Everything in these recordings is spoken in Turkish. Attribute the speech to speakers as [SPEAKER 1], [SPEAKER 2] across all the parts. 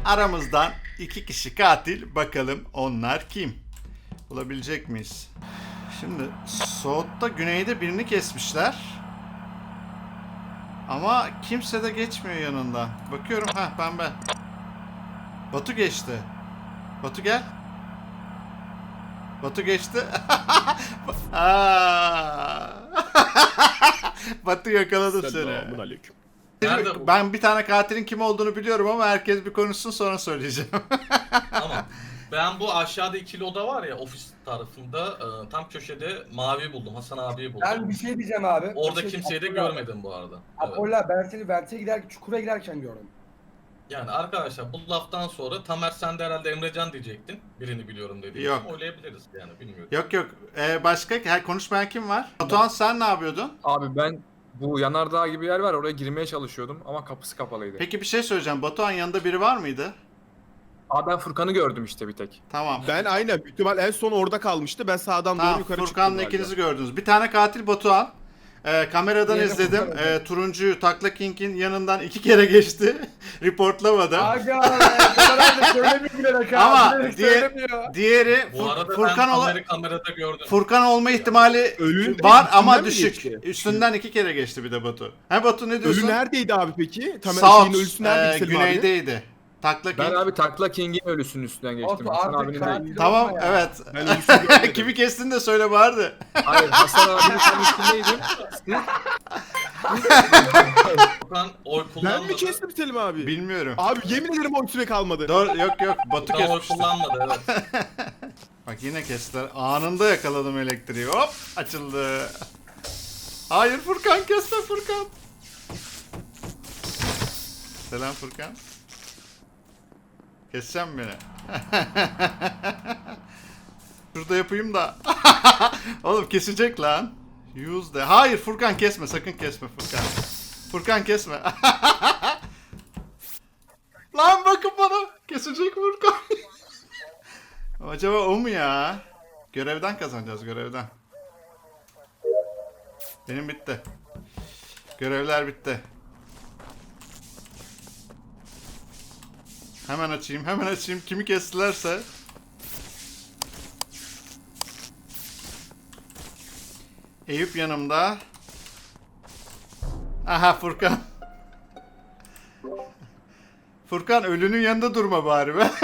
[SPEAKER 1] Aramızdan 2 kişi katil. Bakalım onlar kim? Bulabilecek miyiz? Şimdi Soğut'ta güneyde birini kesmişler. Ama kimse de geçmiyor yanından. Bakıyorum, pembe. Batu geçti. Batu gel. Batu geçti. Batu yakaladım seni.
[SPEAKER 2] Selamünaleyküm.
[SPEAKER 3] Nerede bu?
[SPEAKER 1] Ben bir tane katilin kim olduğunu biliyorum ama herkes bir konuşsun sonra söyleyeceğim.
[SPEAKER 3] Tamam. Ben bu aşağıda ikili oda var ya ofis tarafında tam köşede mavi buldum. Hasan abiyi buldum.
[SPEAKER 4] Ben bir şey diyeceğim abi.
[SPEAKER 3] Orada
[SPEAKER 4] Bir şey-
[SPEAKER 3] kimseyi de
[SPEAKER 4] Abdullah-
[SPEAKER 3] görmedim bu arada. Evet.
[SPEAKER 4] Abdullah ben seni Vent'e giderken, çukura giderken gördüm.
[SPEAKER 3] Yani arkadaşlar bu laftan sonra Tamer sen de herhalde Emrecan diyecektin. Birini biliyorum dediğin
[SPEAKER 1] Yok.
[SPEAKER 3] için oylayabiliriz yani bilmiyorum.
[SPEAKER 1] Yok. Başka konuşmayan kim var? Batuhan sen ne yapıyordun?
[SPEAKER 5] Abi ben bu yanardağ gibi yer var oraya girmeye çalışıyordum ama kapısı kapalıydı.
[SPEAKER 1] Peki bir şey söyleyeceğim. Batuhan yanında biri var mıydı?
[SPEAKER 5] Abi ben Furkan'ı gördüm işte bir tek.
[SPEAKER 1] Tamam.
[SPEAKER 2] Ben aynen büyük ihtimal en son orada kalmıştı. Ben sağdan doğru
[SPEAKER 1] Tamam,
[SPEAKER 2] yukarı
[SPEAKER 1] Furkan'la
[SPEAKER 2] çıktım
[SPEAKER 1] ikinizi
[SPEAKER 2] galiba.
[SPEAKER 1] gördünüz. Bir tane katil Batuhan. Kameradan
[SPEAKER 4] Diğeri
[SPEAKER 1] izledim.
[SPEAKER 4] Furkan.
[SPEAKER 1] Turuncuyu Takla King'in yanından 2 kere geçti. Reportlamadı.
[SPEAKER 4] Aga be, söylemiyor bilerek ha.
[SPEAKER 1] Ama
[SPEAKER 4] bilerek
[SPEAKER 1] diğer-
[SPEAKER 4] söylemiyor.
[SPEAKER 1] Diğeri
[SPEAKER 3] Bu arada
[SPEAKER 1] Furkan
[SPEAKER 3] ben
[SPEAKER 1] ola-
[SPEAKER 3] Tamer'i kamerada gördüm.
[SPEAKER 1] Furkan olma ihtimali
[SPEAKER 2] Ölünün
[SPEAKER 1] var
[SPEAKER 2] üstünden
[SPEAKER 1] ama
[SPEAKER 2] mi
[SPEAKER 1] düşük.
[SPEAKER 2] geçti?
[SPEAKER 1] Üstünden 2 kere geçti bir de Batu. Batu ne diyorsun?
[SPEAKER 2] Ölü neredeydi abi peki? Tamer
[SPEAKER 1] South,
[SPEAKER 2] şeyin ölüsü neredeydi Selim abi?
[SPEAKER 1] güneydeydi. Takla King.
[SPEAKER 5] Ben abi Takla King'in ölüsünün üstünden geçtim.
[SPEAKER 4] Olsun,
[SPEAKER 5] Hasan
[SPEAKER 4] artık
[SPEAKER 5] abinin
[SPEAKER 4] katil
[SPEAKER 5] değil.
[SPEAKER 1] Tamam,
[SPEAKER 4] olma ya.
[SPEAKER 1] evet.
[SPEAKER 2] Ben ölüsünü görmedim.
[SPEAKER 1] Kimi kestin de söyle vardı.
[SPEAKER 5] Hayır Hasan abinin tam üstündeydim. Siz
[SPEAKER 3] Furkan oy kullanmadı.
[SPEAKER 2] Ben mi kestim Selim abi?
[SPEAKER 1] Bilmiyorum.
[SPEAKER 2] Abi yemin ederim o süre kalmadı.
[SPEAKER 1] Doğru, yok. Batu
[SPEAKER 3] Furkan oy
[SPEAKER 1] kesmişti.
[SPEAKER 3] kullanmadı evet.
[SPEAKER 1] Bak yine kestiler. Anında yakaladım elektriği. Hop açıldı. Hayır Furkan, kesme Furkan. Selam Furkan. Keseceğim beni. Şurada yapayım da. Oğlum kesecek lan. Use de. Hayır Furkan kesme, sakın kesme Furkan. Furkan kesme. Lan bakın bana. Kesecek Furkan. Acaba o mu ya? Görevden kazanacağız, görevden. Benim bitti. Görevler bitti. Hemen açayım. Kimi kestilerse. Eyüp yanımda. Aha Furkan. Furkan ölünün yanında durma bari be.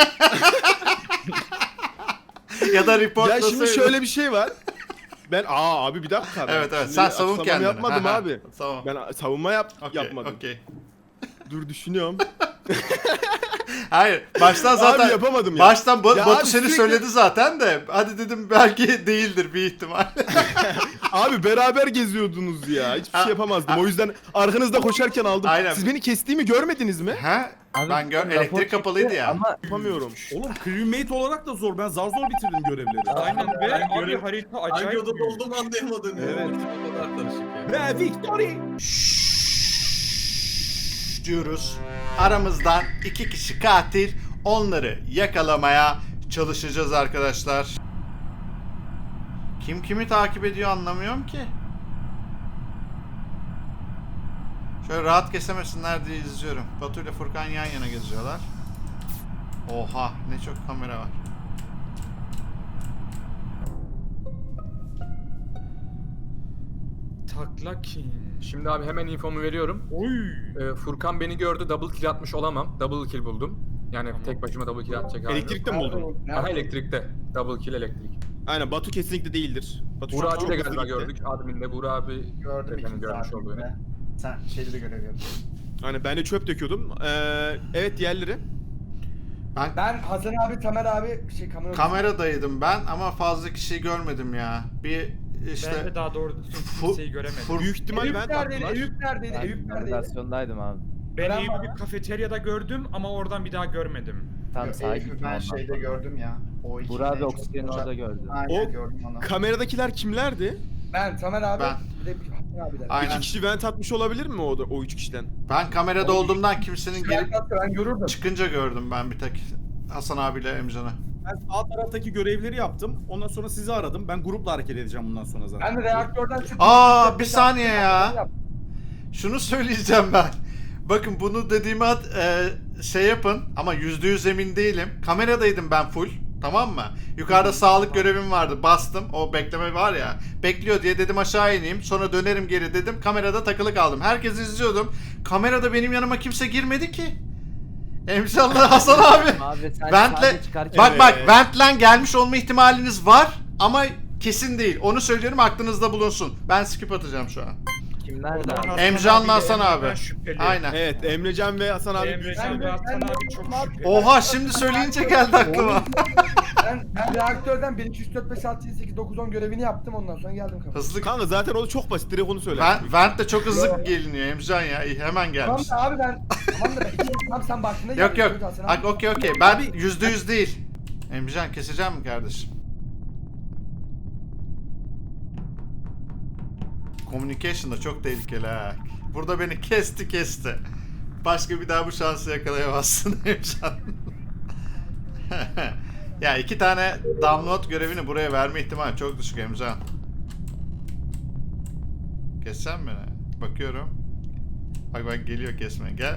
[SPEAKER 1] Ya da
[SPEAKER 2] Ya
[SPEAKER 1] reportlasaydın.
[SPEAKER 2] şimdi şöyle bir şey var. Ben abi bir dakika. Ben
[SPEAKER 1] Evet
[SPEAKER 2] şimdi
[SPEAKER 1] sen savun
[SPEAKER 2] açıklama
[SPEAKER 1] kendini.
[SPEAKER 2] yapmadım
[SPEAKER 1] Ha, ha.
[SPEAKER 2] abi.
[SPEAKER 1] Tamam.
[SPEAKER 2] Ben savunma yapmadım.
[SPEAKER 1] Okey.
[SPEAKER 2] Dur düşünüyorum.
[SPEAKER 1] Hayır, baştan zaten
[SPEAKER 2] Abi yapamadım ya.
[SPEAKER 1] Baştan
[SPEAKER 2] Ya
[SPEAKER 1] Batu
[SPEAKER 2] abi
[SPEAKER 1] seni
[SPEAKER 2] sürekli-
[SPEAKER 1] söyledi zaten de. Hadi dedim belki değildir bir ihtimal.
[SPEAKER 2] Abi beraber geziyordunuz ya. Hiçbir
[SPEAKER 1] Ha,
[SPEAKER 2] şey yapamazdım. O yüzden arkanızda koşarken aldım.
[SPEAKER 1] Aynen.
[SPEAKER 2] Siz beni kestiğimi görmediniz mi?
[SPEAKER 1] Ha? Ben elektrik kapalıydı ya.
[SPEAKER 6] Ama
[SPEAKER 2] Yapamıyorum.
[SPEAKER 7] Oğlum crewmate olarak da zor. Ben zar zor bitirdim görevleri.
[SPEAKER 8] Aynen be.
[SPEAKER 3] Ben
[SPEAKER 8] Abi
[SPEAKER 3] görev-
[SPEAKER 8] harita
[SPEAKER 3] Hangi
[SPEAKER 8] acayip
[SPEAKER 3] odada
[SPEAKER 8] büyük.
[SPEAKER 3] olduğumu anlayamadım ya.
[SPEAKER 7] Evet.
[SPEAKER 3] O kadar karışık yani.
[SPEAKER 7] Ve victory!
[SPEAKER 1] Diyoruz. Aramızdan 2 kişi katil. Onları yakalamaya çalışacağız arkadaşlar. Kim kimi takip ediyor anlamıyorum ki. Şöyle rahat kesemesinler diye izliyorum. Batu ile Furkan yan yana geziyorlar. Oha ne çok kamera var.
[SPEAKER 8] Takla King.
[SPEAKER 5] Şimdi abi hemen infomu veriyorum.
[SPEAKER 8] Oy.
[SPEAKER 5] Furkan beni gördü double kill atmış olamam. Double kill buldum. Yani tek başıma double kill atacak halim yok.
[SPEAKER 2] Elektrikte mi buldun?
[SPEAKER 5] Aha elektrikte. Double kill elektrik.
[SPEAKER 2] Aynen Batu kesinlikle değildir. Batu şu
[SPEAKER 5] Burak
[SPEAKER 2] an
[SPEAKER 5] abi de
[SPEAKER 2] çok
[SPEAKER 5] galiba
[SPEAKER 2] hızlı gitti.
[SPEAKER 5] gördük. Admin'de Burak abi
[SPEAKER 6] gördüm
[SPEAKER 5] efendim
[SPEAKER 6] iki
[SPEAKER 5] görmüş olduğunu.
[SPEAKER 6] saatinde. Sen şeyde de görev yaptın.
[SPEAKER 2] Aynen ben de çöp döküyordum. Evet diğerleri.
[SPEAKER 4] Ben Hasan abi, Tamer abi kamera.
[SPEAKER 1] Kameradaydım ben ama fazla kişiyi görmedim ya. Bir
[SPEAKER 8] Ben
[SPEAKER 1] işte
[SPEAKER 8] de daha doğru düzgün kimseyi göremedim.
[SPEAKER 2] Büyük ihtimal
[SPEAKER 4] Eyüp
[SPEAKER 2] ben
[SPEAKER 4] neredeydi?
[SPEAKER 2] taktılar.
[SPEAKER 4] Eyüp neredeydi?
[SPEAKER 6] Ben
[SPEAKER 4] Eyüp neredeydi?
[SPEAKER 6] navigasyondaydım abi.
[SPEAKER 8] Ben
[SPEAKER 4] Ben
[SPEAKER 8] Eyüp'ü
[SPEAKER 4] var.
[SPEAKER 8] bir kafeteryada gördüm ama oradan bir daha görmedim.
[SPEAKER 6] Tam sağa
[SPEAKER 9] Eyüp'ü
[SPEAKER 6] gittim
[SPEAKER 9] ben
[SPEAKER 6] ondan
[SPEAKER 9] şeyde
[SPEAKER 6] sonra.
[SPEAKER 9] gördüm ya. O iki
[SPEAKER 6] Burak abi
[SPEAKER 9] en çok
[SPEAKER 6] oksijenin
[SPEAKER 9] konuşan-
[SPEAKER 6] orada gördü.
[SPEAKER 9] Aynen
[SPEAKER 2] O
[SPEAKER 9] gördüm onu.
[SPEAKER 2] Kameradakiler kimlerdi?
[SPEAKER 4] Ben, Tamer abi,
[SPEAKER 1] Ben.
[SPEAKER 4] bir de Hasan abiler.
[SPEAKER 1] Aynen.
[SPEAKER 2] İki kişi vent atmış olabilir mi o üç kişiden?
[SPEAKER 1] Ben kamerada olduğumdan kimsenin gelip
[SPEAKER 4] Ben görürdüm.
[SPEAKER 1] çıkınca gördüm ben bir tek Hasan abiyle Emcan'ı.
[SPEAKER 7] Ben sağ taraftaki görevleri yaptım. Ondan sonra sizi aradım. Ben grupla hareket edeceğim bundan sonra zaten.
[SPEAKER 4] Ben de reaktörden çıktım.
[SPEAKER 1] Aa, bir saniye ya. Şunu söyleyeceğim ben. Bakın bunu dediğime şey yapın ama %100 emin değilim. Kameradaydım ben full. Tamam mı? Yukarıda sağlık görevim vardı. Bastım. O bekleme var ya. Bekliyor diye dedim aşağı ineyim. Sonra dönerim geri dedim. Kamerada takılı kaldım. Herkesi izliyordum. Kamerada benim yanıma kimse girmedi ki. Emsallah Hasan abi.
[SPEAKER 6] Abi sen
[SPEAKER 1] Vent'le
[SPEAKER 6] sade çıkarken...
[SPEAKER 1] bak bak Vent'le gelmiş olma ihtimaliniz var ama kesin değil. Onu söylüyorum aklınızda bulunsun. Ben skip atacağım şu an.
[SPEAKER 6] Kim nerede abi?
[SPEAKER 8] Hasan
[SPEAKER 1] Emcan'la
[SPEAKER 8] abiyle
[SPEAKER 1] Hasan abi.
[SPEAKER 8] Emre'den şüpheli.
[SPEAKER 1] Aynen.
[SPEAKER 2] Evet Emrecan ve Hasan abi.
[SPEAKER 8] Emrecan ve Hasan abi çok şüpheli.
[SPEAKER 1] Oha şimdi söyleyince geldi aklıma.
[SPEAKER 4] Ben reaktörden 1, 2, 3, 4, 5, 6, 7, 8, 9, 10 görevini yaptım ondan sonra geldim kapıya.
[SPEAKER 1] Hızlı.
[SPEAKER 2] Kanka zaten o çok basit. Direkt onu söyle.
[SPEAKER 1] Vent de çok hızlı geliniyor Emcan ya. Hemen
[SPEAKER 4] Tamam
[SPEAKER 1] gelmiş.
[SPEAKER 4] da abi ben... Tamam da ben... Tamam sen baktığında
[SPEAKER 1] Yok
[SPEAKER 4] geldin,
[SPEAKER 1] yok.
[SPEAKER 4] Hasan abi.
[SPEAKER 1] Okey. Ben %100 değil. Emcan keseceğim mi kardeşim? Communication da çok tehlikeli ha. Burada beni kesti. Başka bir daha bu şansı yakalayamazsın Emcan. Ya 2 tane download görevini buraya verme ihtimali çok düşük Emcan. Kessem mi? Bakıyorum. Bak geliyor kesme. Gel.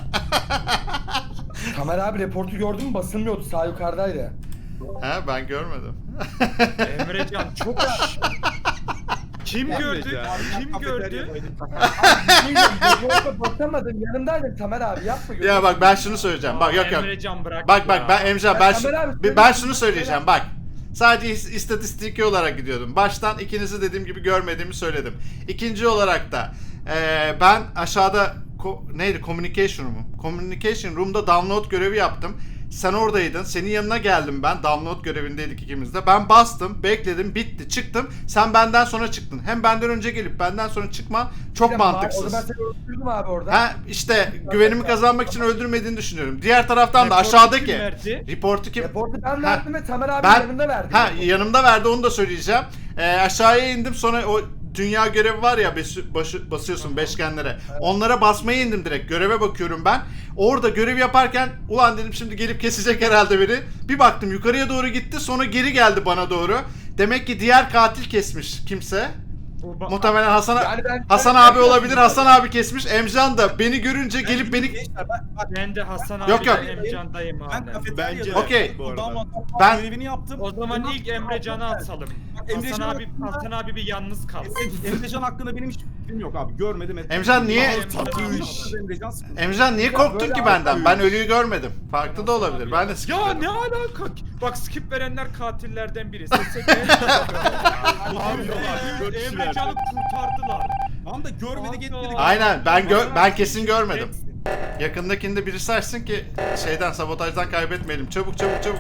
[SPEAKER 4] Tamer abi reportu gördün mü? Basılmıyordu, sağ yukarıdaydı.
[SPEAKER 1] Ha ben görmedim.
[SPEAKER 8] Emrecan çok Kim gördü? Kim gördü?
[SPEAKER 4] Reporta basamadım, yanımdaydın Tamer abi, yapma.
[SPEAKER 1] Ya bak ben şunu söyleyeceğim. Bak yok.
[SPEAKER 8] Emrecan bırak
[SPEAKER 1] Bak
[SPEAKER 8] ya.
[SPEAKER 1] ben Emcan
[SPEAKER 4] Ya Tamer abi,
[SPEAKER 1] ben şunu söyleyeceğim bak. Sadece istatistiki olarak gidiyordum. Baştan ikinizi dediğim gibi görmediğimi söyledim. İkinci olarak da ben aşağıda neydi communication room. Communication room'da download görevi yaptım. Sen oradaydın. Senin yanına geldim ben. Download görevindeydik ikimiz de. Ben bastım, bekledim, bitti, çıktım. Sen benden sonra çıktın. Hem benden önce gelip benden sonra çıkman çok mantıksız.
[SPEAKER 4] Orada ben seni öldürdüm abi orada.
[SPEAKER 1] Ha işte güvenimi kazanmak için öldürmediğini düşünüyorum. Diğer taraftan da
[SPEAKER 8] Reportu
[SPEAKER 1] aşağıdaki
[SPEAKER 8] kim verdi?
[SPEAKER 1] reportu kim?
[SPEAKER 4] Reportu ben
[SPEAKER 1] Ha,
[SPEAKER 4] verdim ve Tamer abi
[SPEAKER 1] ben-
[SPEAKER 4] yanımda verdi.
[SPEAKER 1] yanımda verdi onu da söyleyeceğim. Aşağıya indim sonra o dünya görevi var ya basıyorsun beşgenlere. Onlara basmaya indim direkt. Göreve bakıyorum ben. Orada görev yaparken ulan dedim şimdi gelip kesecek herhalde biri. Bir baktım yukarıya doğru gitti sonra geri geldi bana doğru. Demek ki diğer katil kesmiş kimse. Muhtemelen Hasan abi olabilir. Hasan abi kesmiş. Emcan da beni görünce gelip beni
[SPEAKER 7] Gençler,
[SPEAKER 8] Ben de Hasan
[SPEAKER 1] Yok,
[SPEAKER 8] abi
[SPEAKER 1] yok.
[SPEAKER 8] Emcan'dayım
[SPEAKER 7] ben
[SPEAKER 8] hala.
[SPEAKER 7] kafeteryada
[SPEAKER 2] Bence
[SPEAKER 1] Okey.
[SPEAKER 2] bu arada.
[SPEAKER 1] Ben-
[SPEAKER 7] görevini yaptım.
[SPEAKER 8] O zaman ilk Emrecan'ı asalım.
[SPEAKER 7] Emrecan
[SPEAKER 8] Hasan abi bir yalnız kalsın.
[SPEAKER 7] Emrecan hakkında benim hiç fikrim yok abi. Görmedim etmedim.
[SPEAKER 1] Emcan niye
[SPEAKER 7] Emrecan sıkıntı.
[SPEAKER 1] Emcan niye korktun
[SPEAKER 4] böyle
[SPEAKER 1] ki benden? Ben ölüyü görmedim. Farklı da olabilir. Ben de
[SPEAKER 8] Ya
[SPEAKER 1] skipledim.
[SPEAKER 8] ne alaka? Bak skip verenler katillerden biri. Sese gel.
[SPEAKER 2] Abi, dört kişi verdi.
[SPEAKER 8] Emrecan'ı kurtardılar.
[SPEAKER 7] Tamam da görmedik etmedik.
[SPEAKER 1] Aynen ben kesin görmedim. Yakındakinde birisi açsın ki şeyden sabotajdan kaybetmeyelim. Çabuk.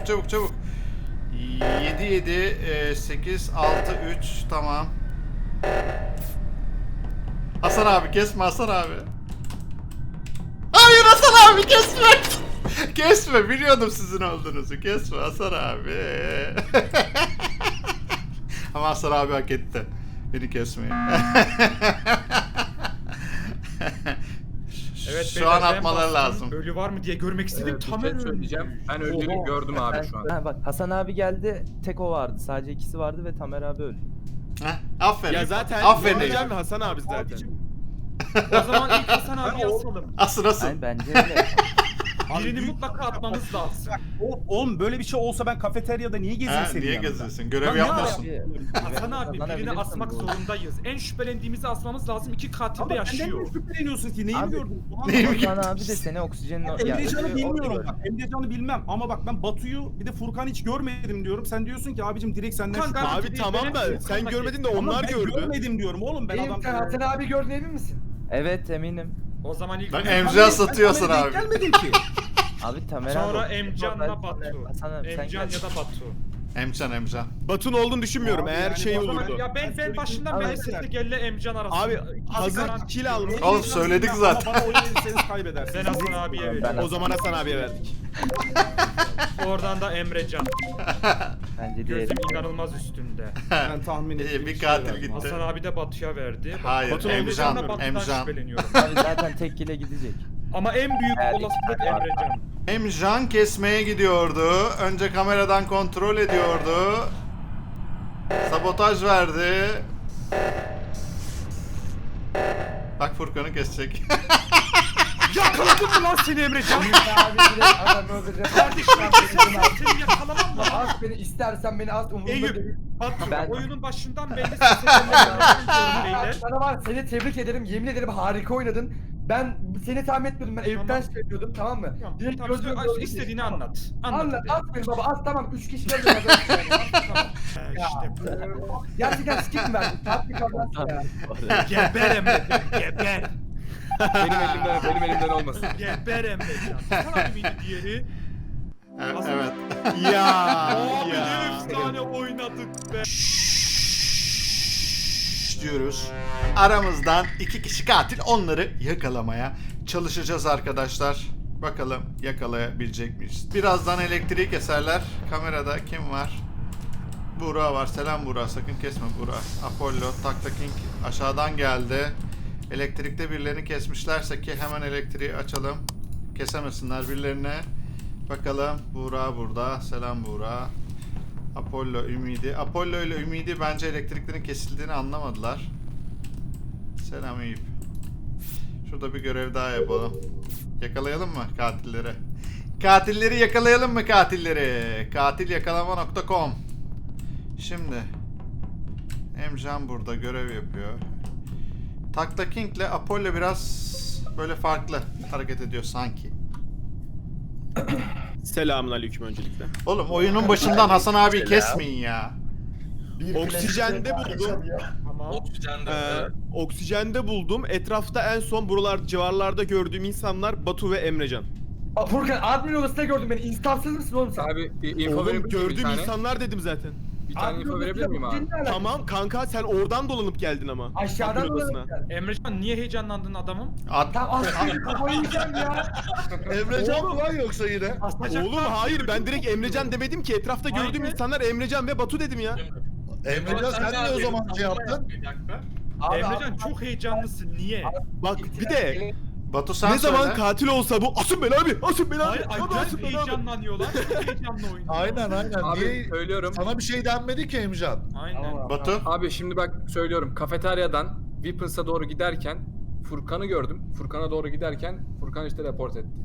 [SPEAKER 1] 7 8 6 3 tamam. Hasan abi kesme Hasan abi. Hayır Hasan abi kesme. Kesme biliyordum sizin olduğunuzu. Kesme Hasan abi. Ama Hasan abi hak etti. Beni kesmeyin.
[SPEAKER 8] Evet,
[SPEAKER 1] Şu
[SPEAKER 8] beyler,
[SPEAKER 1] an
[SPEAKER 8] ben
[SPEAKER 1] atmaları
[SPEAKER 8] bastım.
[SPEAKER 1] lazım.
[SPEAKER 8] Ölü var mı diye görmek istedim.
[SPEAKER 5] Bir
[SPEAKER 8] Tam
[SPEAKER 5] şey söyleyeceğim. Ben öldüğünü gördüm abi şu an.
[SPEAKER 6] Ha bak Hasan abi geldi, tek o vardı. Sadece ikisi vardı ve Tamer abi öldü.
[SPEAKER 1] Heh, aferin.
[SPEAKER 2] Ya zaten
[SPEAKER 1] Aferin.
[SPEAKER 2] Emrecan ve Hasan abi zaten.
[SPEAKER 8] O zaman ilk Hasan abi asalım.
[SPEAKER 1] Asıl.
[SPEAKER 6] Yani bence öyle.
[SPEAKER 8] Birini mutlaka atmamız lazım.
[SPEAKER 7] Oğlum böyle bir şey olsa ben kafeteryada niye gezeyim
[SPEAKER 1] Ha,
[SPEAKER 7] senin
[SPEAKER 1] niye
[SPEAKER 7] yanında?
[SPEAKER 1] geziyorsun? Görev
[SPEAKER 7] Lan ne
[SPEAKER 1] yapmıyorsun.
[SPEAKER 8] Hasan abi birini
[SPEAKER 6] Kazanabilirsin
[SPEAKER 8] asmak
[SPEAKER 6] bu arada.
[SPEAKER 8] zorundayız. En şüphelendiğimizi asmamız lazım. İki katil
[SPEAKER 7] Ama
[SPEAKER 8] de
[SPEAKER 7] benden
[SPEAKER 8] yaşıyor.
[SPEAKER 7] ne şüpheleniyorsun ki? Neyi
[SPEAKER 6] Abi,
[SPEAKER 7] gördün? Ulan
[SPEAKER 1] neyi
[SPEAKER 7] bak,
[SPEAKER 6] Hasan abi de seni oksijenin...
[SPEAKER 7] Emrecan'ı bilmiyorum bak. Emrecan'ı bilmem ama bak ben Batu'yu bir de Furkan'ı hiç görmedim diyorum. Sen diyorsun ki abicim direkt senden
[SPEAKER 8] Kanka,
[SPEAKER 7] şüphe.
[SPEAKER 2] Abi tamam da sen görmedin de
[SPEAKER 7] Ama
[SPEAKER 2] onlar
[SPEAKER 7] ben
[SPEAKER 2] gördü.
[SPEAKER 7] görmedim diyorum oğlum ben
[SPEAKER 4] Benim
[SPEAKER 7] adam.
[SPEAKER 4] sen Hasan abi gördün emin misin?
[SPEAKER 6] Evet eminim.
[SPEAKER 8] O zaman ilk
[SPEAKER 1] Bak
[SPEAKER 7] Ben
[SPEAKER 1] Emcan satıyorsun
[SPEAKER 7] kameraya
[SPEAKER 1] abi.
[SPEAKER 7] denk gelmedim ki.
[SPEAKER 6] Abi Tamer abi...
[SPEAKER 8] sonra Emcan'la Batu.
[SPEAKER 6] Hasan abi sen
[SPEAKER 8] Emcan
[SPEAKER 6] gel.
[SPEAKER 8] ya da Batu.
[SPEAKER 1] Emcan.
[SPEAKER 2] Batu'nun olduğunu düşünmüyorum
[SPEAKER 7] Abi
[SPEAKER 2] eğer
[SPEAKER 7] yani
[SPEAKER 2] şey
[SPEAKER 7] o zaman
[SPEAKER 2] olurdu.
[SPEAKER 8] Ya ben başından beri
[SPEAKER 6] Abi-
[SPEAKER 8] sesli gelle Emcan arasında.
[SPEAKER 2] Abi hazır
[SPEAKER 8] garanti
[SPEAKER 2] kill
[SPEAKER 8] diyorum.
[SPEAKER 2] almış.
[SPEAKER 1] Oğlum söyledik
[SPEAKER 7] Ama
[SPEAKER 1] zaten.
[SPEAKER 7] Bana oy verirseniz kaybedersiniz.
[SPEAKER 8] Ben Hasan abiye
[SPEAKER 6] Ben-
[SPEAKER 8] veriyorum.
[SPEAKER 2] O zaman Hasan abiye verdik.
[SPEAKER 8] Oradan da Emrecan.
[SPEAKER 6] Bence
[SPEAKER 8] Gözüm
[SPEAKER 6] değil.
[SPEAKER 8] inanılmaz üstünde.
[SPEAKER 7] Ben tahmin
[SPEAKER 1] İyi,
[SPEAKER 7] ettiğim
[SPEAKER 1] bir
[SPEAKER 7] şey
[SPEAKER 1] katil
[SPEAKER 7] verdim.
[SPEAKER 1] gitti.
[SPEAKER 8] Hasan abi de Batu'ya verdi.
[SPEAKER 1] Hayır,
[SPEAKER 8] Batu
[SPEAKER 1] Emcan,
[SPEAKER 8] Emrecan'la Batu'dan
[SPEAKER 1] Emcan.
[SPEAKER 8] şüpheleniyorum.
[SPEAKER 6] Abi zaten tek kile gidecek.
[SPEAKER 8] Ama en büyük
[SPEAKER 6] Evet.
[SPEAKER 8] olasılık Emrecan.
[SPEAKER 1] Emcan kesmeye gidiyordu. Önce kameradan kontrol ediyordu. Sabotaj verdi. Bak Furkan'ı kesecek.
[SPEAKER 8] Yakaladım mı lan seni Emrecan?
[SPEAKER 4] Abi direkt adamı öldüreceğim.
[SPEAKER 8] Kardeşim seni yakalamam mı?
[SPEAKER 4] Az beni istersen beni az umurumda
[SPEAKER 8] Eyüp.
[SPEAKER 4] değil.
[SPEAKER 8] Batu
[SPEAKER 6] Ben-
[SPEAKER 8] oyunun başından belli seslenmeye beyler.
[SPEAKER 4] Sana var seni tebrik ederim. Yemin ederim harika oynadın. Ben seni tahmin etmiyordum. Ben Eyüp'ten
[SPEAKER 8] Tamam.
[SPEAKER 4] söylüyordum tamam mı?
[SPEAKER 8] Tamam,
[SPEAKER 4] Direkt
[SPEAKER 8] tamam,
[SPEAKER 4] gözüm
[SPEAKER 8] söyle, istediğini anlat.
[SPEAKER 4] Anlat
[SPEAKER 8] hadi.
[SPEAKER 4] at beni baba at tamam 3 kişi geldi. Tamam.
[SPEAKER 8] İşte bu.
[SPEAKER 4] Gerçekten skip mi verdin? Tatlı kazansın ya.
[SPEAKER 8] Geber Emrecan, geber.
[SPEAKER 5] Benim elimden olmasın.
[SPEAKER 8] Geber Emrecan. Sana mıydı diğeri?
[SPEAKER 1] Evet.
[SPEAKER 2] Ya.
[SPEAKER 8] Abi ne
[SPEAKER 2] ya.
[SPEAKER 8] efsane oynadık be.
[SPEAKER 1] diyoruz. Aramızdan 2 kişi katil, onları yakalamaya çalışacağız arkadaşlar. Bakalım yakalayabilecek miyiz? Birazdan elektriği keserler. Kamerada kim var? Buğra var. Selam Buğra. Sakın kesme Buğra. Apollo, Takta King aşağıdan geldi. Elektrikte birilerini kesmişlerse ki hemen elektriği açalım. Kesemesinler birilerine. Bakalım. Buğra burada. Selam Buğra. Apollo, Ümidi. Apollo ile Ümidi bence elektriklerin kesildiğini anlamadılar. Selam Eyüp. Şurada bir görev daha yapalım. Yakalayalım mı katilleri? Katilleri yakalayalım mı katilleri? Katilyakalama.com. Şimdi Emcan burada görev yapıyor. Takta King ile Apollo biraz böyle farklı hareket ediyor sanki.
[SPEAKER 2] Selamun aleyküm öncelikle.
[SPEAKER 1] Oğlum oyunun başından Hasan abi kesmeyin ya.
[SPEAKER 2] Oksijende buldum.
[SPEAKER 8] Tamam.
[SPEAKER 3] Oksijende.
[SPEAKER 2] Oksijende buldum. Etrafta en son buralar civarlarda gördüğüm insanlar Batu ve Emrecan.
[SPEAKER 4] Furkan admin odasında gördüm beni. İnstansız mısın oğlum sen?
[SPEAKER 5] Abi info
[SPEAKER 2] Oğlum
[SPEAKER 5] verebilir miyim bir
[SPEAKER 2] gördüğüm
[SPEAKER 5] tane?
[SPEAKER 2] insanlar dedim zaten.
[SPEAKER 5] Bir tane info verebilir miyim abi?
[SPEAKER 2] Tamam kanka sen oradan dolanıp geldin ama.
[SPEAKER 4] Aşağıdan
[SPEAKER 2] Admin odasına.
[SPEAKER 4] dolanıp gel.
[SPEAKER 8] Emrecan niye heyecanlandın adamım?
[SPEAKER 4] Tamam aslında kafayı yiyeceğim ya.
[SPEAKER 9] Emrecan mı lan yoksa yine?
[SPEAKER 2] Oğlum hayır ben direkt Emrecan demedim ki etrafta gördüğüm
[SPEAKER 8] Aynen.
[SPEAKER 2] insanlar Emrecan ve Batu dedim ya.
[SPEAKER 9] Emrecan sen niye o zaman şey yaptın?
[SPEAKER 3] Bir dakika.
[SPEAKER 4] Abi,
[SPEAKER 8] Emrecan
[SPEAKER 4] abi,
[SPEAKER 8] çok heyecanlısın niye?
[SPEAKER 2] Bak bir de
[SPEAKER 1] Batu sen
[SPEAKER 2] ne zaman
[SPEAKER 1] söyle.
[SPEAKER 2] katil olsa bu asın beni abi, asın beni abi,
[SPEAKER 8] Hayır
[SPEAKER 2] abi asın
[SPEAKER 8] acayip
[SPEAKER 2] beni abi.
[SPEAKER 8] heyecanlanıyorlar. Çok heyecanlı oynuyorlar.
[SPEAKER 9] Aynen.
[SPEAKER 5] Abi
[SPEAKER 9] Niye?
[SPEAKER 5] söylüyorum.
[SPEAKER 9] Sana bir şey denmedi ki Emrecan.
[SPEAKER 8] Aynen.
[SPEAKER 4] Tamam.
[SPEAKER 1] Batu.
[SPEAKER 5] Abi şimdi bak söylüyorum. Kafeteryadan Weapons'a doğru giderken Furkan'ı gördüm. Furkan'a doğru giderken Furkan işte report etti.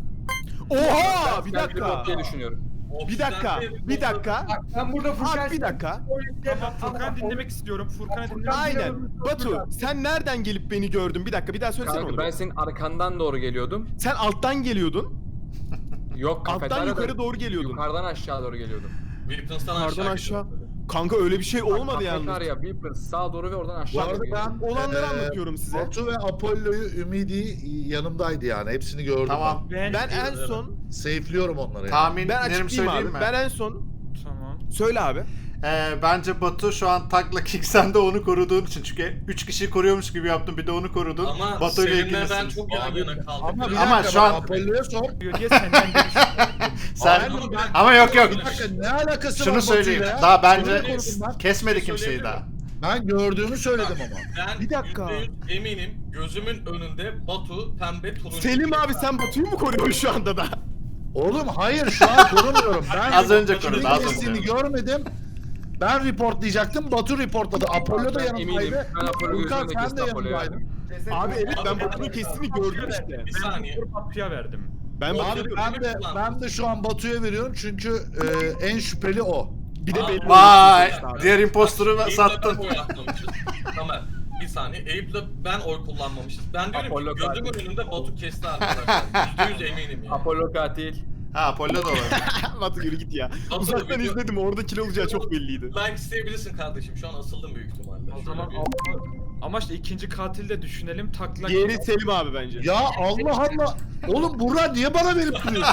[SPEAKER 2] Oha bir
[SPEAKER 5] Ben
[SPEAKER 2] dakika.
[SPEAKER 5] diye düşünüyorum.
[SPEAKER 2] Bir dakika. Bir dakika.
[SPEAKER 4] Bak ben burada Furkan...
[SPEAKER 2] Abi bir dakika.
[SPEAKER 8] Tamam Furkan dinlemek istiyorum. Furkan'ı dinlemek
[SPEAKER 2] Aynen. Batu sen nereden gelip beni gördün? Bir dakika bir daha söylesene
[SPEAKER 5] Kanka
[SPEAKER 2] onu.
[SPEAKER 5] ben senin arkandan doğru geliyordum.
[SPEAKER 2] Sen alttan geliyordun.
[SPEAKER 5] Yok
[SPEAKER 2] Alttan
[SPEAKER 5] kafeteryadan
[SPEAKER 2] yukarı doğru geliyordun.
[SPEAKER 5] yukarıdan aşağı doğru geliyordum.
[SPEAKER 3] Weapons'tan
[SPEAKER 2] Yukarıdan
[SPEAKER 3] aşağı
[SPEAKER 2] aşağı.
[SPEAKER 3] gidiyor.
[SPEAKER 2] Kanka öyle bir şey olmadı yalnız.
[SPEAKER 5] Kafeterya, Weapons sağa doğru ve oradan
[SPEAKER 9] Bu
[SPEAKER 5] aşağı
[SPEAKER 9] arada
[SPEAKER 5] doğru geliyordum.
[SPEAKER 9] ben
[SPEAKER 2] Olanları anlatıyorum size.
[SPEAKER 9] Batu ve Apollo'yu, Ümidi yanımdaydı yani. Hepsini gördüm.
[SPEAKER 1] Tamam.
[SPEAKER 2] Ben en son
[SPEAKER 9] Safe'liyorum onları yani.
[SPEAKER 2] ben
[SPEAKER 1] Tahminlerimi
[SPEAKER 2] açıklayayım
[SPEAKER 1] söyleyeyim
[SPEAKER 2] abi.
[SPEAKER 1] mi?
[SPEAKER 2] Ben en son
[SPEAKER 8] Tamam.
[SPEAKER 2] söyle abi.
[SPEAKER 1] Bence Batu şu an Takla King sen de onu koruduğun için. Çünkü 3 kişiyi koruyormuş gibi yaptın, bir de onu korudun.
[SPEAKER 3] Ama
[SPEAKER 1] Batu ile
[SPEAKER 3] seninle ben
[SPEAKER 1] ilgilisiniz.
[SPEAKER 3] çok yan yana kaldım.
[SPEAKER 9] Ama bir
[SPEAKER 1] Ama
[SPEAKER 9] dakika,
[SPEAKER 1] şu an-
[SPEAKER 9] Apollo'ya sor.
[SPEAKER 8] Diyor diye senden görüşüyorum.
[SPEAKER 1] Sen...
[SPEAKER 9] Hayır, ben-
[SPEAKER 1] Ama yok.
[SPEAKER 9] Bir dakika ne alakası var
[SPEAKER 1] Şunu
[SPEAKER 9] Batu'yla
[SPEAKER 1] söyleyeyim.
[SPEAKER 9] ya?
[SPEAKER 1] Daha
[SPEAKER 9] Onu
[SPEAKER 1] bence
[SPEAKER 9] korudum ben.
[SPEAKER 1] kesmedi
[SPEAKER 3] Bir şey
[SPEAKER 1] kimseyi
[SPEAKER 3] söyleyebilir
[SPEAKER 1] daha.
[SPEAKER 9] Ben gördüğümü söyledim ama.
[SPEAKER 3] Ben
[SPEAKER 2] Bir dakika.
[SPEAKER 3] %100 eminim gözümün önünde Batu pembe turuncu.
[SPEAKER 2] Selim abi sen Batu'yu mu koruyorsun şu anda da?
[SPEAKER 9] Oğlum hayır şu an korumuyorum. Ben
[SPEAKER 1] Az önce
[SPEAKER 9] Batu'nun
[SPEAKER 1] korudu, az
[SPEAKER 9] kestiğini
[SPEAKER 1] önce.
[SPEAKER 9] görmedim. Ben reportlayacaktım. Batu reportladı. Apollo da
[SPEAKER 5] Ben eminim.
[SPEAKER 9] yanımdaydı.
[SPEAKER 5] Ben Apollo'yu
[SPEAKER 9] Furkan
[SPEAKER 5] gözümle
[SPEAKER 9] sen de
[SPEAKER 5] kestim Apollo'yu.
[SPEAKER 9] yanımdaydın.
[SPEAKER 2] Abi evet ben Batu'nun kestiğini gördüm işte.
[SPEAKER 3] Bir
[SPEAKER 8] Ben
[SPEAKER 3] saniye.
[SPEAKER 8] bu Batu'ya verdim.
[SPEAKER 2] Ben
[SPEAKER 3] Abi,
[SPEAKER 2] Batu'yu
[SPEAKER 9] Ben de şu an Batu'ya veriyorum çünkü en şüpheli o.
[SPEAKER 2] bir de belli
[SPEAKER 1] Vay!
[SPEAKER 2] olsun sonuçta abi.
[SPEAKER 1] Diğer imposter'ı
[SPEAKER 3] Eyüp'le
[SPEAKER 1] sattın.
[SPEAKER 3] ben oy atmamışız. Tamer bir saniye. Eyüp'le ben oy kullanmamışız. Ben diyorum
[SPEAKER 5] Apollo
[SPEAKER 3] ki gözümün
[SPEAKER 5] katil.
[SPEAKER 3] önünde Batu kesti arkadaşlar. %100 eminim yani.
[SPEAKER 5] Apollo katil.
[SPEAKER 1] Ha Apollo da olabilir.
[SPEAKER 2] Batu yürü git ya.
[SPEAKER 3] Batu,
[SPEAKER 2] Uzaktan
[SPEAKER 3] video-
[SPEAKER 2] izledim orada kill olacağı çok belliydi.
[SPEAKER 3] Like isteyebilirsin kardeşim. Şu an asıldım büyük ihtimalle.
[SPEAKER 8] O zaman
[SPEAKER 3] Şöyle bir-
[SPEAKER 8] ama işte ikinci katil de düşünelim. Takla.
[SPEAKER 2] Diğeri Selim abi bence.
[SPEAKER 9] Ya Allah Allah. Oğlum Burak niye bana verip duruyorsun?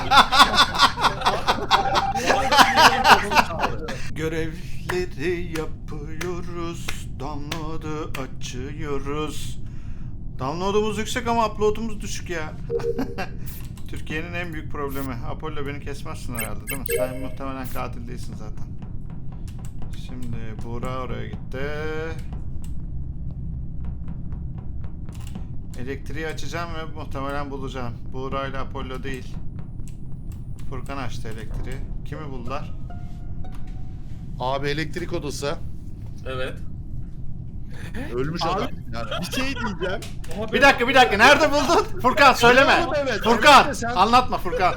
[SPEAKER 1] Görevleri yapıyoruz. Download'u açıyoruz. Download'umuz yüksek ama upload'umuz düşük ya. Türkiye'nin en büyük problemi. Apollo beni kesmezsin herhalde değil mi? Sen muhtemelen katil değilsin zaten. Şimdi Buğra oraya gitti. Elektriği açacağım ve muhtemelen bulacağım. Buğra ile Apollo değil. Furkan açtı elektriği. Kimi buldular?
[SPEAKER 9] Abi elektrik odası.
[SPEAKER 3] Evet.
[SPEAKER 9] Ölmüş
[SPEAKER 2] Abi,
[SPEAKER 9] adam. Yani.
[SPEAKER 2] Bir şey diyeceğim.
[SPEAKER 1] Bir dakika nerede buldun? Furkan söyleme.
[SPEAKER 9] Oğlum, evet,
[SPEAKER 1] Furkan
[SPEAKER 9] evet de sen-
[SPEAKER 1] anlatma Furkan.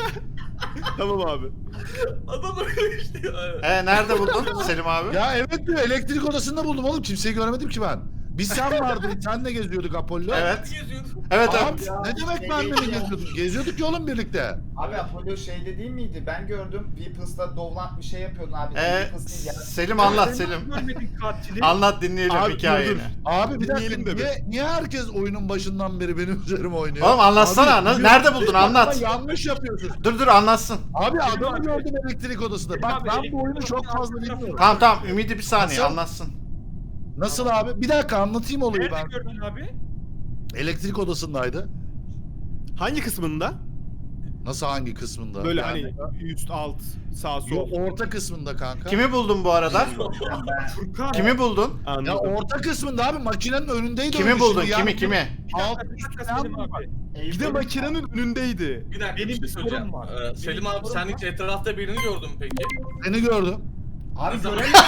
[SPEAKER 2] Tamam abi.
[SPEAKER 3] Adam öyle işte ya.
[SPEAKER 1] Nerede buldun Selim abi?
[SPEAKER 9] Ya evet diyor, elektrik odasında buldum oğlum. Kimseyi göremedim ki ben. Biz sen vardın, senle geziyorduk Apollo.
[SPEAKER 1] Evet.
[SPEAKER 3] Geziyorsun.
[SPEAKER 1] Evet
[SPEAKER 9] Abi
[SPEAKER 1] evet.
[SPEAKER 9] ne demek benle mi geziyorduk? Geziyorduk ya oğlum birlikte.
[SPEAKER 10] Abi Apollo şeyde değil miydi? Ben gördüm. Weapons'ta Dovlant bir şey yapıyordun abi.
[SPEAKER 1] Ee,
[SPEAKER 10] Weapons değil ya.
[SPEAKER 1] Selim anlat Selim.
[SPEAKER 8] Görmedik katili.
[SPEAKER 1] Anlat dinleyelim
[SPEAKER 2] Abi,
[SPEAKER 1] hikayeni.
[SPEAKER 2] dur.
[SPEAKER 9] Abi bir dakika,
[SPEAKER 2] Dinleyelim de
[SPEAKER 9] niye herkes oyunun başından beri benim üzerime oynuyor?
[SPEAKER 1] Oğlum anlatsana.
[SPEAKER 9] Abi,
[SPEAKER 1] Nerede buldun
[SPEAKER 9] ama
[SPEAKER 1] anlat.
[SPEAKER 9] yanlış yapıyorsun.
[SPEAKER 1] Dur anlatsın.
[SPEAKER 9] Abi
[SPEAKER 8] Selim
[SPEAKER 9] adamı
[SPEAKER 8] abi.
[SPEAKER 9] gördüm elektrik odasında. Bak
[SPEAKER 8] abi,
[SPEAKER 9] ben
[SPEAKER 8] elektrik
[SPEAKER 9] bu oyunu çok
[SPEAKER 8] odasında
[SPEAKER 9] fazla
[SPEAKER 8] abi,
[SPEAKER 9] bilmiyorum.
[SPEAKER 1] Tamam Ümidi bir saniye
[SPEAKER 9] Nasıl?
[SPEAKER 1] anlatsın.
[SPEAKER 9] Nasıl abi? Bir dakika anlatayım olayı
[SPEAKER 8] Nerede
[SPEAKER 9] ben.
[SPEAKER 8] gördün abi?
[SPEAKER 9] Elektrik odasındaydı.
[SPEAKER 2] Hangi kısmında?
[SPEAKER 9] Nasıl hangi kısmında?
[SPEAKER 2] Böyle
[SPEAKER 9] Yani-
[SPEAKER 2] hani üst, alt, sağ,
[SPEAKER 9] Yo,
[SPEAKER 2] sol.
[SPEAKER 9] orta kısmında kanka.
[SPEAKER 1] Kimi buldun bu arada?
[SPEAKER 8] Furkan.
[SPEAKER 1] Kimi buldun?
[SPEAKER 9] Ya
[SPEAKER 2] Anladım.
[SPEAKER 9] orta kısmında abi, makinenin önündeydi.
[SPEAKER 1] Kimi
[SPEAKER 9] oyun
[SPEAKER 1] buldun?
[SPEAKER 9] şimdi. Yani
[SPEAKER 1] Kimi?
[SPEAKER 9] Alt
[SPEAKER 8] Bir dakika
[SPEAKER 9] üstten
[SPEAKER 8] Selim abi.
[SPEAKER 2] Bir de makinenin önündeydi.
[SPEAKER 3] Bir dakika
[SPEAKER 8] Benim
[SPEAKER 3] bir şey
[SPEAKER 8] bir
[SPEAKER 3] söyleyeceğim.
[SPEAKER 8] sorum var.
[SPEAKER 3] Selim
[SPEAKER 8] Benim
[SPEAKER 3] abi
[SPEAKER 8] bir
[SPEAKER 3] sen
[SPEAKER 8] sorum
[SPEAKER 3] hiç etrafta birini gördün mü peki?
[SPEAKER 9] seni gördüm.
[SPEAKER 10] Abi
[SPEAKER 3] zaman-
[SPEAKER 10] göremiyorum.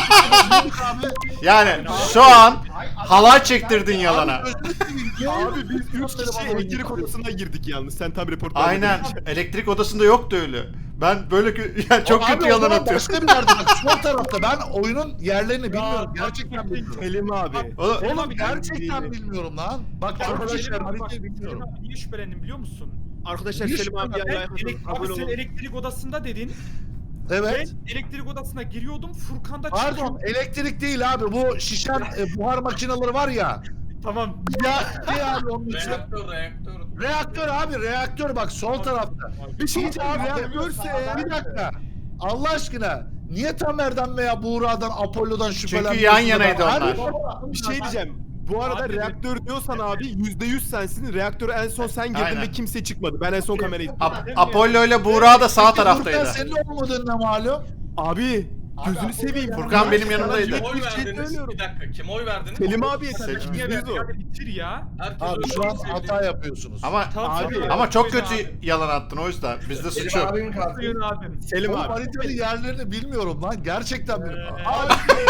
[SPEAKER 9] Abi,
[SPEAKER 1] Yani şu an halay çektirdin yalana.
[SPEAKER 2] Abi biz 3 kişi elektrik odasına girdik yalnız. Sen tam reportaj
[SPEAKER 1] Aynen. Elektrik odasında yoktu öyle. Ben böyle yani çok
[SPEAKER 9] Abi
[SPEAKER 1] kötü
[SPEAKER 9] o
[SPEAKER 1] yalan
[SPEAKER 9] zaman
[SPEAKER 1] atıyorum.
[SPEAKER 9] Başka bir yerde bak, sol tarafta. Ben oyunun yerlerini bilmiyorum. Gerçekten bilmiyorum.
[SPEAKER 2] Selim abi.
[SPEAKER 1] Oğlum,
[SPEAKER 8] Selim
[SPEAKER 9] Oğlum
[SPEAKER 8] abi,
[SPEAKER 9] gerçekten bilmiyorum lan. Bak arkadaşlar
[SPEAKER 8] Selim abi,
[SPEAKER 9] haritayı bilmiyorum.
[SPEAKER 8] Selim abi niye şüphelendin biliyor musun?
[SPEAKER 2] Arkadaşlar
[SPEAKER 9] Bir
[SPEAKER 2] Selim abi
[SPEAKER 8] Ben
[SPEAKER 2] ya.
[SPEAKER 8] abi sen elektrik odasında dedin.
[SPEAKER 9] Evet.
[SPEAKER 8] Ben elektrik odasına giriyordum. Furkan da
[SPEAKER 9] Pardon, elektrik değil abi. Bu şişen buhar makineleri var ya.
[SPEAKER 8] Tamam.
[SPEAKER 9] Ya ne abi onun için?
[SPEAKER 3] Reaktör.
[SPEAKER 9] Reaktör abi, reaktör bak sol tarafta.
[SPEAKER 2] Bir şey diyeceğim
[SPEAKER 9] Abi
[SPEAKER 2] ya.
[SPEAKER 9] reaktörse bir dakika. Allah aşkına. Niye Tamer'den veya Buğra'dan, Apollo'dan şüphelenmiyorsun?
[SPEAKER 1] yan yanaydı
[SPEAKER 9] da ben-
[SPEAKER 1] onlar.
[SPEAKER 9] Abi,
[SPEAKER 2] Bir şey diyeceğim. Bu arada
[SPEAKER 8] Abi,
[SPEAKER 2] reaktör diyorsan abi %100 sensin. Reaktöre en son sen girdin
[SPEAKER 1] Aynen.
[SPEAKER 2] ve kimse çıkmadı. Ben en son kamerayı
[SPEAKER 1] Apollo ile Buğra da sağ
[SPEAKER 9] Furkan
[SPEAKER 1] taraftaydı.
[SPEAKER 9] senin olmadığın ne malum?
[SPEAKER 2] Abi gözünü seveyim.
[SPEAKER 1] Furkan benim
[SPEAKER 2] Sana
[SPEAKER 1] yanımdaydı.
[SPEAKER 2] net
[SPEAKER 3] Kim oy
[SPEAKER 2] bir şey
[SPEAKER 3] verdiniz?
[SPEAKER 2] söylüyorum.
[SPEAKER 3] Bir dakika kim oy verdiniz?
[SPEAKER 2] Selim abiye
[SPEAKER 1] Selim.
[SPEAKER 2] tabii %100 o.
[SPEAKER 8] Hadi bitir ya.
[SPEAKER 3] Herkes
[SPEAKER 9] Abi
[SPEAKER 3] öyle
[SPEAKER 9] şu an
[SPEAKER 3] sevdi.
[SPEAKER 9] hata yapıyorsunuz.
[SPEAKER 1] Ama
[SPEAKER 2] Abi,
[SPEAKER 1] ama çok
[SPEAKER 8] Selim
[SPEAKER 1] kötü
[SPEAKER 8] abi.
[SPEAKER 1] yalan attın o yüzden. Bizde suç
[SPEAKER 4] Selim
[SPEAKER 1] yok.
[SPEAKER 4] abinin kartı.
[SPEAKER 8] Buyurun abim.
[SPEAKER 2] Selim
[SPEAKER 9] Oğlum
[SPEAKER 2] abi.
[SPEAKER 9] haritanın yerlerini bilmiyorum lan. Gerçekten bilmiyorum.
[SPEAKER 2] Abi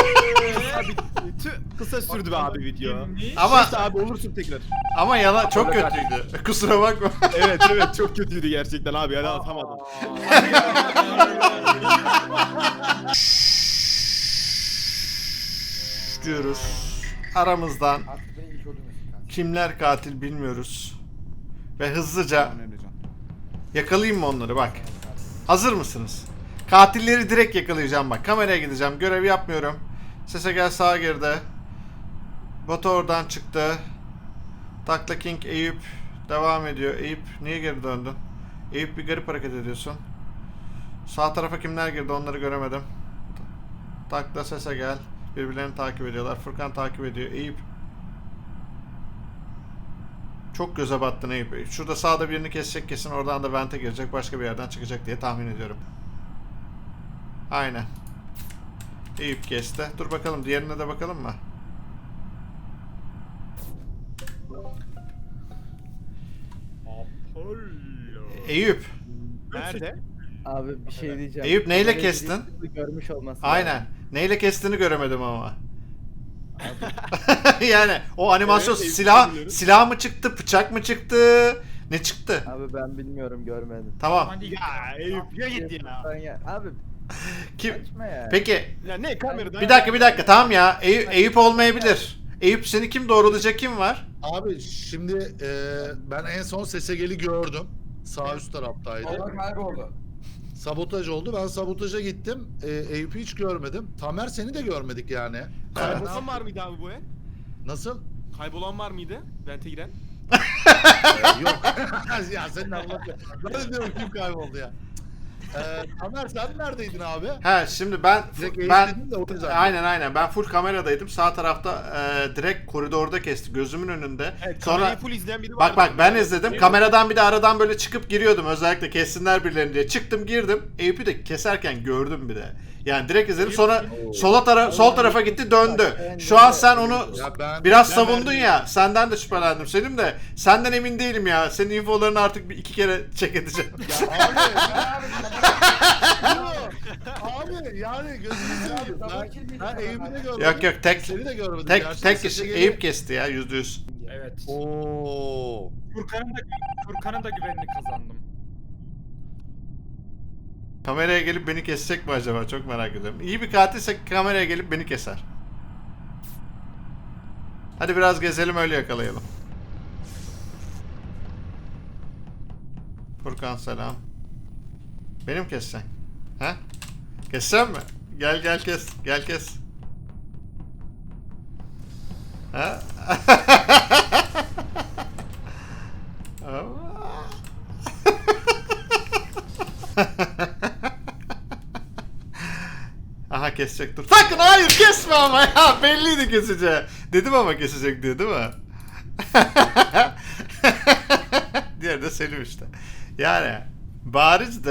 [SPEAKER 2] kısa sürdü be abi video.
[SPEAKER 1] Ama
[SPEAKER 2] Neyse abi olursun tekrar.
[SPEAKER 1] ama yalan çok kötüydü. Kusura bakma.
[SPEAKER 2] Evet çok kötüydü gerçekten abi. Yani atamadım.
[SPEAKER 1] Diyoruz. Aramızdan
[SPEAKER 4] Artık beni ilk öldürmesin kanka.
[SPEAKER 1] kimler katil bilmiyoruz. Ve hızlıca yakalayayım mı onları bak. Hazır mısınız? Katilleri direkt yakalayacağım bak. Kameraya gideceğim. Görev yapmıyorum. Sese gel sağa girdi. Batu oradan çıktı. Takla King Eyüp devam ediyor. Eyüp niye geri döndün? Eyüp bir garip hareket ediyorsun. Sağ tarafa kimler girdi onları göremedim. Takla sese gel. Birbirlerini takip ediyorlar. Furkan takip ediyor. Eyüp. Çok göze battın Eyüp. Şurada sağda birini kesecek kesin. Oradan da vente girecek. Başka bir yerden çıkacak diye tahmin ediyorum. Aynen. Eyüp kesti. Dur bakalım. Diğerine de bakalım mı? Eyüp.
[SPEAKER 2] Nerede?
[SPEAKER 6] Abi bir şey diyeceğim.
[SPEAKER 1] Eyüp, neyle
[SPEAKER 6] Kamerayı
[SPEAKER 1] kestin?
[SPEAKER 6] birisi Görmüş olması
[SPEAKER 1] Aynen.
[SPEAKER 6] lazım.
[SPEAKER 1] Neyle kestiğini göremedim ama. Yani o animasyon
[SPEAKER 2] Evet,
[SPEAKER 1] silah
[SPEAKER 2] biliyorum.
[SPEAKER 1] silah mı çıktı, bıçak mı çıktı? Ne çıktı?
[SPEAKER 6] Abi ben bilmiyorum, görmedim.
[SPEAKER 1] Tamam.
[SPEAKER 8] Hadi
[SPEAKER 2] Ya Eyüp ya git ya.
[SPEAKER 6] Ben ya abi
[SPEAKER 1] Kim?
[SPEAKER 6] saçma ya.
[SPEAKER 1] Peki
[SPEAKER 2] Ya ne kameradan?
[SPEAKER 1] bir dakika tamam ya. Eyüp olmayabilir. Eyüp seni kim doğrulayacak kim var?
[SPEAKER 9] Abi şimdi ben en son Sesegel'i gördüm. Sağ üst taraftaydı.
[SPEAKER 4] Allah kayboldu.
[SPEAKER 9] Sabotaj oldu. Ben sabotaja gittim. Eyüp'ü hiç görmedim. Tamer seni de görmedik yani.
[SPEAKER 2] Kaybolan var mıydı abi bu el?
[SPEAKER 9] Nasıl?
[SPEAKER 2] Kaybolan var mıydı? Vente giren.
[SPEAKER 9] Yok. Ya senin anlatıyorsun. Ben de diyorum kim kayboldu ya. Tamer sen neredeydin abi?
[SPEAKER 1] Ha şimdi ben
[SPEAKER 9] Direkt Eyüp
[SPEAKER 1] ben
[SPEAKER 9] dedim de o yüzden.
[SPEAKER 1] aynen ben full kameradaydım. Sağ tarafta direkt koridorda kesti gözümün önünde.
[SPEAKER 2] Evet,
[SPEAKER 1] Sonra
[SPEAKER 2] kamerayı full izleyen biri var.
[SPEAKER 1] bak ben izledim. Kameradan bir de aradan böyle çıkıp giriyordum. Özellikle kessinler birilerini diye. Çıktım girdim. Eyüp'ü de keserken gördüm bir de. Yani direkt izledim sonra sol tarafa gitti döndü. Şu an sen onu
[SPEAKER 9] Ya
[SPEAKER 1] biraz
[SPEAKER 9] ben
[SPEAKER 1] savundun
[SPEAKER 9] verdim.
[SPEAKER 1] ya. Senden de şüphelendim Selim de. Senden emin değilim ya. Senin infolarını artık bir iki kere check edeceğim.
[SPEAKER 9] Abi yani gözünü seveyim. Ben Eyüp'ü de görmedim.
[SPEAKER 1] Yok yok
[SPEAKER 9] Seni de görmedim.
[SPEAKER 1] tek
[SPEAKER 9] Gerçekten
[SPEAKER 1] kişi
[SPEAKER 9] sese
[SPEAKER 1] Eyüp kesti ya %100.
[SPEAKER 8] Evet.
[SPEAKER 9] Oo.
[SPEAKER 8] Furkan'ın da güvenini kazandım.
[SPEAKER 1] Kameraya gelip beni kesecek mi acaba? Çok merak ediyorum. İyi bir katilse kameraya gelip beni keser. Hadi biraz gezelim öyle yakalayalım. Furkan selam. Benim kessen. He? Kessem mi? Gel kes. Gel kes. Ha? Aha kesecek dur. Sakın hayır kesme ama ya. Belliydi keseceği. Dedim ama kesecek diye değil mi? Diğeri de Selim işte. Yani barizdi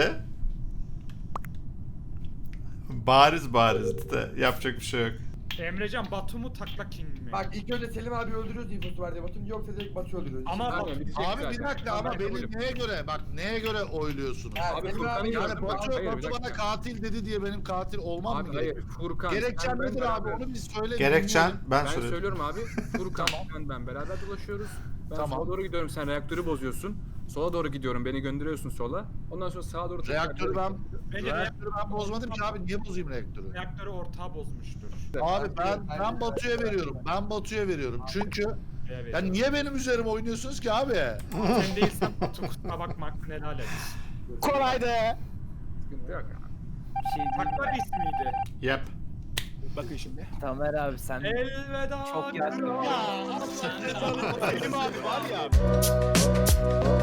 [SPEAKER 1] de yapacak bir şey yok.
[SPEAKER 8] Emrecan Batu mu Takla King mi?
[SPEAKER 4] Bak ilk önce Selim abi öldürüyoruz infosu var diye Batu'nun yoksa direkt Batu öldürüyoruz.
[SPEAKER 8] Ama
[SPEAKER 5] Aynen,
[SPEAKER 8] Batu.
[SPEAKER 5] bitecek
[SPEAKER 9] Abi bir
[SPEAKER 5] zaten.
[SPEAKER 9] dakika ama
[SPEAKER 5] Ben
[SPEAKER 9] beni
[SPEAKER 5] öyle-
[SPEAKER 9] neye göre bak neye göre oyluyorsunuz?
[SPEAKER 4] Ha,
[SPEAKER 5] Abi
[SPEAKER 4] Selim
[SPEAKER 5] Furkan'ı
[SPEAKER 4] abi-
[SPEAKER 9] Yani
[SPEAKER 5] gördüm.
[SPEAKER 9] Batu,
[SPEAKER 5] Hayır, bir
[SPEAKER 9] Batu bana
[SPEAKER 5] dakika.
[SPEAKER 9] katil dedi diye benim katil olmam
[SPEAKER 5] Abi
[SPEAKER 9] mı
[SPEAKER 5] hayır
[SPEAKER 9] gerekiyor?
[SPEAKER 5] Furkan.
[SPEAKER 9] Gerekçen
[SPEAKER 5] ben
[SPEAKER 9] nedir abi
[SPEAKER 5] beraber-
[SPEAKER 9] onu bir söyle.
[SPEAKER 1] Gerekçen
[SPEAKER 9] dinleyelim.
[SPEAKER 1] ben
[SPEAKER 5] Ben
[SPEAKER 1] söyleyeyim.
[SPEAKER 5] söylüyorum abi. Furkan ben beraber dolaşıyoruz. Ben
[SPEAKER 9] Tamam.
[SPEAKER 5] sola doğru gidiyorum sen reaktörü bozuyorsun. Sola doğru gidiyorum beni gönderiyorsun sola. Ondan sonra sağa doğru
[SPEAKER 9] Reaktörü ben
[SPEAKER 8] Bence
[SPEAKER 9] reaktörü ben bozmadım ki abi niye bozayım reaktörü?
[SPEAKER 8] Reaktörü ortağı bozmuştur.
[SPEAKER 9] Abi ben Batu'ya veriyorum. Ben Batu'ya veriyorum. Çünkü ya niye benim üzerime oynuyorsunuz ki abi?
[SPEAKER 8] Sen değilsen Batu kusura bakma hakkını helal et.
[SPEAKER 2] Kolaydı.
[SPEAKER 5] Sıkıntı yok abi.
[SPEAKER 6] Bir şey diyeyim
[SPEAKER 8] Takla
[SPEAKER 6] mi?
[SPEAKER 8] ismiydi.
[SPEAKER 1] Yep.
[SPEAKER 2] Bakın şimdi.
[SPEAKER 6] Tamer abi sen
[SPEAKER 8] Elveda.
[SPEAKER 6] çok yaşlı.
[SPEAKER 2] Selim abi var ya.